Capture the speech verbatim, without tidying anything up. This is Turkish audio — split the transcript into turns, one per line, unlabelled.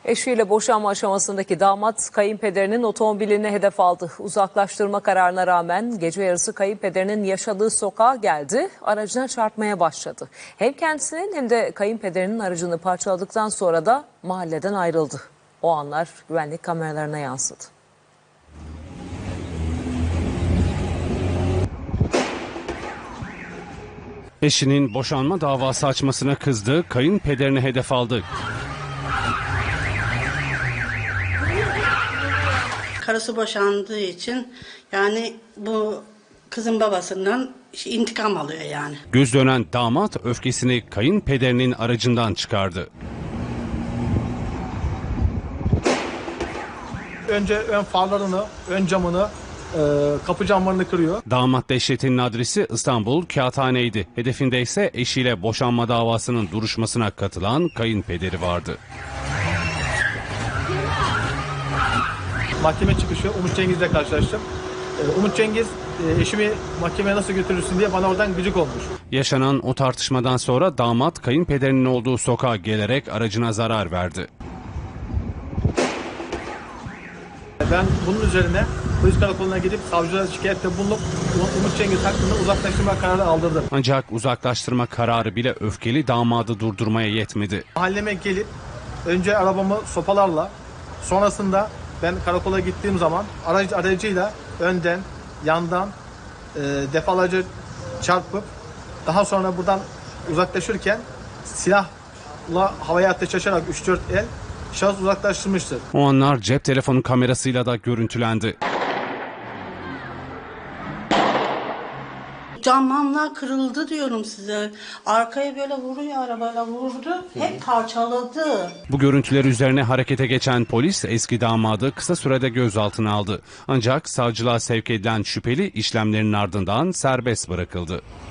Eşiyle boşanma aşamasındaki damat kayınpederinin otomobilini hedef aldı. Uzaklaştırma kararına rağmen gece yarısı kayınpederinin yaşadığı sokağa geldi, aracına çarpmaya başladı. Hem kendisinin hem de kayınpederinin aracını parçaladıktan sonra da mahalleden ayrıldı. O anlar güvenlik kameralarına yansıdı.
Eşinin boşanma davası açmasına kızdı, kayınpederini hedef aldı.
Karısı boşandığı için yani bu kızın babasından intikam alıyor yani.
Göz dönen damat öfkesini kayınpederinin aracından çıkardı.
Önce ön farlarını, ön camını, e, kapı camlarını kırıyor.
Damat dehşetinin adresi İstanbul Kağıthane'ydi. Hedefinde ise eşiyle boşanma davasının duruşmasına katılan kayınpederi vardı.
Mahkeme çıkışı Umut Cengiz'le karşılaştım. E, Umut Cengiz e, eşimi mahkemeye nasıl götürürsün diye bana oradan gıcık olmuş.
Yaşanan o tartışmadan sonra damat kayınpederinin olduğu sokağa gelerek aracına zarar verdi.
Ben bunun üzerine polis karakoluna gidip savcılara şikayette bulunup Umut Cengiz hakkında uzaklaştırma kararı aldırdım.
Ancak uzaklaştırma kararı bile öfkeli damadı durdurmaya yetmedi.
Mahalleme gelip önce arabamı sopalarla, sonrasında ben karakola gittiğim zaman aracı aracıyla önden, yandan e, defalarca çarpıp daha sonra buradan uzaklaşırken silahla havaya ateş açarak üç dört el şahıs uzaklaştırmıştır.
O anlar cep telefonu kamerasıyla da görüntülendi.
Camlar kırıldı diyorum size. Arkaya böyle vuruyor, arabayla vurdu. Hep parçaladı.
Bu görüntüler üzerine harekete geçen polis eski damadı kısa sürede gözaltına aldı. Ancak savcılığa sevk edilen şüpheli işlemlerin ardından serbest bırakıldı.